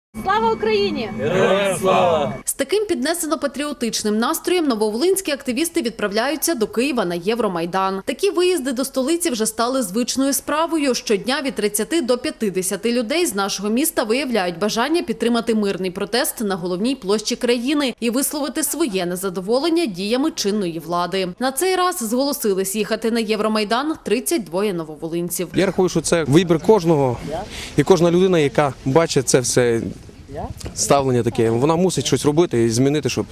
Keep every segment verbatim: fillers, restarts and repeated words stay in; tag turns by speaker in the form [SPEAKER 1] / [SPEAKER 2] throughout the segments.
[SPEAKER 1] Слава Україні!
[SPEAKER 2] Героям слава!
[SPEAKER 1] З таким піднесено-патріотичним настроєм нововолинські активісти відправляються до Києва на Євромайдан. Такі виїзди до столиці вже стали звичною справою. Щодня від тридцяти до п'ятдесяти людей з нашого міста виявляють бажання підтримати мирний протест на головній площі країни і висловити своє незадоволення діями чинної влади. На цей раз зголосились їхати на Євромайдан тридцять двоє нововолинців.
[SPEAKER 3] Я рахую, що це вибір кожного, і кожна людина, яка бачить це все ставлення таке, вона мусить щось робити і змінити, щоб,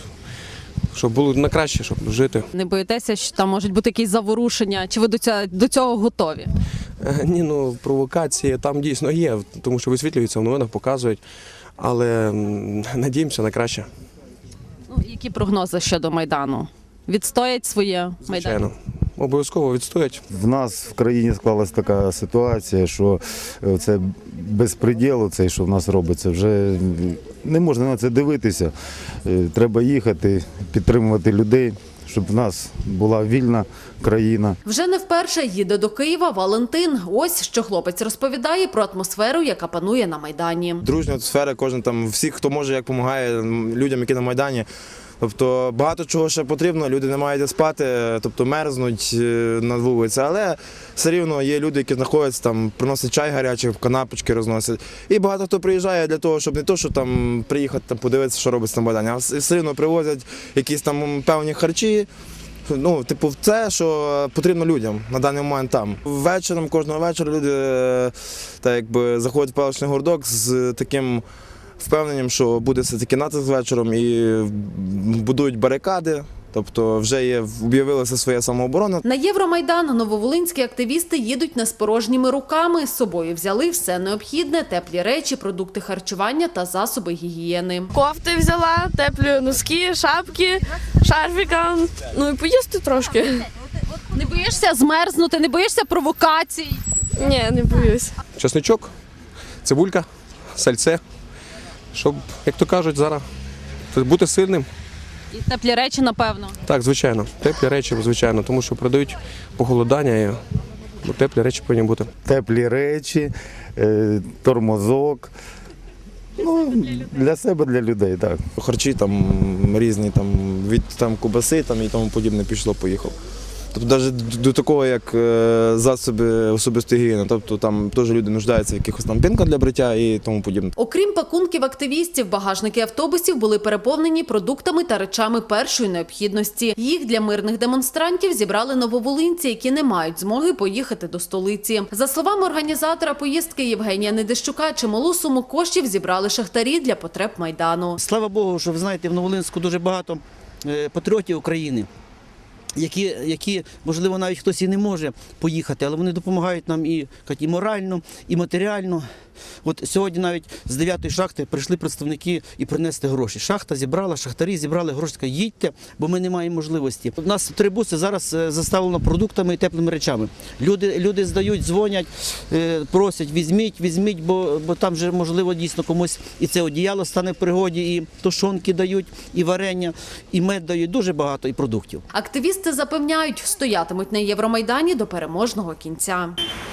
[SPEAKER 3] щоб було на краще, щоб жити.
[SPEAKER 1] Не боїтеся, що там можуть бути якісь заворушення? Чи ви до цього, до цього готові?
[SPEAKER 3] Ні, ну провокації там дійсно є, тому що висвітлюються в новинах, показують, але надіємося на краще.
[SPEAKER 1] Ну, які прогнози щодо Майдану? Відстоять своє Майдан?
[SPEAKER 3] Звичайно. Обов'язково відстоять.
[SPEAKER 4] В нас в країні склалась така ситуація, що це безпреділ, цей, що в нас робиться, вже не можна на це дивитися. Треба їхати, підтримувати людей, щоб в нас була вільна країна.
[SPEAKER 1] Вже не вперше їде до Києва Валентин. Ось що хлопець розповідає про атмосферу, яка панує на Майдані.
[SPEAKER 5] Дружня атмосфера, кожен там, всіх, хто може, як допомагає людям, які на Майдані. Тобто багато чого ще потрібно, люди не мають де спати, тобто мерзнуть на вулиці, але все рівно є люди, які знаходяться там, приносять чай гарячий, канапочки розносять. І багато хто приїжджає для того, щоб не то, що там приїхати там, подивитися, що робиться на Майдані, а все рівно привозять якісь там певні харчі. Ну, типу, це, що потрібно людям на даний момент там. Вечором, кожного вечора люди так, якби, заходять в паличний городок з таким впевненням, що буде все-таки натиск вечором і будують барикади. Тобто вже є, об'явилася своя самооборона.
[SPEAKER 1] На Євромайдан нововолинські активісти їдуть не з порожніми руками. З собою взяли все необхідне – теплі речі, продукти харчування та засоби гігієни.
[SPEAKER 6] Кофти взяла, теплі носки, шапки, шарфіка, ну і поїсти трошки.
[SPEAKER 1] Не боїшся змерзнути, не боїшся провокацій?
[SPEAKER 6] Ні, не боюсь.
[SPEAKER 3] Чесничок, цибулька, сальце, щоб, як то кажуть, зараз бути сильним.
[SPEAKER 1] І теплі речі, напевно.
[SPEAKER 3] Так, звичайно, теплі речі, звичайно, тому що продають похолодання, і теплі речі повинні бути.
[SPEAKER 4] Теплі речі, тормозок. Ну, для себе, для людей, так.
[SPEAKER 5] Харчі там різні, там, від там, кубаси там, і тому подібне пішло-поїхав. Тобто навіть до такого, як засоби особистої гігієни, тобто там теж люди нуждаються в якихось там пінках для бриття і тому подібне.
[SPEAKER 1] Окрім пакунків активістів, багажники автобусів були переповнені продуктами та речами першої необхідності. Їх для мирних демонстрантів зібрали нововолинці, які не мають змоги поїхати до столиці. За словами організатора поїздки Євгенія Недищука, чималу суму коштів зібрали шахтарі для потреб Майдану.
[SPEAKER 7] Слава Богу, що ви знаєте, в Нововолинську дуже багато патріотів України. Які, які, можливо, навіть хтось і не може поїхати, але вони допомагають нам і, і морально, і матеріально. От сьогодні навіть з дев'ятої шахти прийшли представники і принесли гроші. Шахта зібрала, шахтарі зібрали гроші, сказали, їдьте, бо ми не маємо можливості. У нас три буси зараз заставлено продуктами і теплими речами. Люди, люди здають, дзвонять, просять, візьміть, візьміть, бо, бо там вже, можливо, дійсно комусь і це одіяло стане в пригоді, і тушонки дають, і варення, і мед дають, дуже багато і продуктів.
[SPEAKER 1] Активісти запевняють, стоятимуть на Євромайдані до переможного кінця.